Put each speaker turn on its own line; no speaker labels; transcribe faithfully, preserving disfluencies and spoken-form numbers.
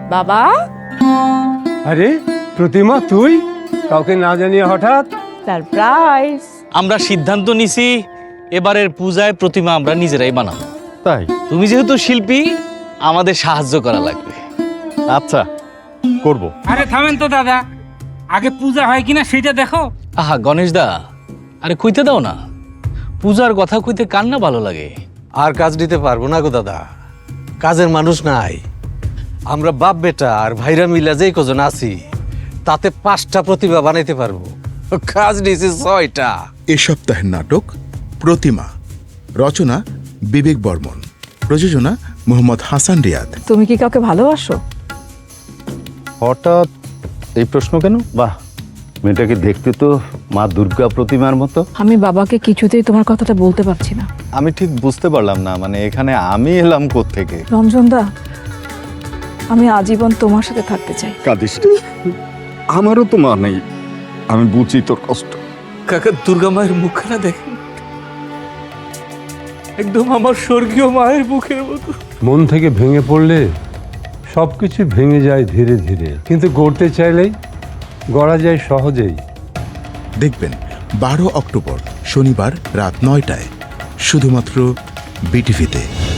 বাবা,
আরে প্রতিমা, তুই কাউকে না জানিয়ে হঠাৎ?
সারপ্রাইজ।
আমরা সিদ্ধান্ত নিছি এবারের পূজায় প্রতিমা আমরা নিজেরাই বানাবো।
তাই?
তুমি যেহেতু শিল্পী, আমাদের সাহায্য করা লাগবে।
আচ্ছা, করব।
আরে থামেন তো দাদা, আগে পূজা হয় কিনা সেটা দেখো।
আহা গণেশ দা, আরে কইতে দাও না। পূজার কথা কইতে কার না ভালো লাগে।
আর কাজ দিতে পারবো না গো দাদা, কাজের মানুষ নাই। আমরা বাপ বেটা আর ভাইরা মিলা যেই কজন আছি তাতে পাঁচটা প্রতিভা বানাইতে পারবো, কাজ দিয়েছি ছয়টা।
এ সপ্তাহের নাটক প্রতিমা, রচনা বিবেক বর্মন, প্রযোজনা মোহাম্মদ হাসান রিয়াদ।
তুমি কি কাউকে ভালোবাসো?
হঠাৎ এই প্রশ্ন কেন? বাহ, মেয়েটাকে দেখতে তো মা দুর্গা প্রতিমার মতো।
আমি বাবাকে কিছুতেই তোমার কথাটা বলতে পারছি না।
আমি ঠিক বুঝতে পারলাম না, মানে এখানে আমি এলাম কোত্থেকে?
রঞ্জন দা, আমি আজীবন তোমার সাথে থাকতে চাই।
কাঁদিস না। আমারও তো মা নেই, আমি বুঝি তোর কষ্ট।
কাকা, দুর্গা মায়ের মুখখানা দেখেন, একদম আমার স্বর্গীয় মায়ের মুখের মতো।
মন থেকে ভেঙে পড়লে সবকিছু ভেঙে যায় ধীরে ধীরে, কিন্তু গড়তে চাইলেই গড়া যায় সহজেই।
দেখবেন বারো অক্টোবর শনিবার রাত নয়টায় শুধুমাত্র বিটিভিতে।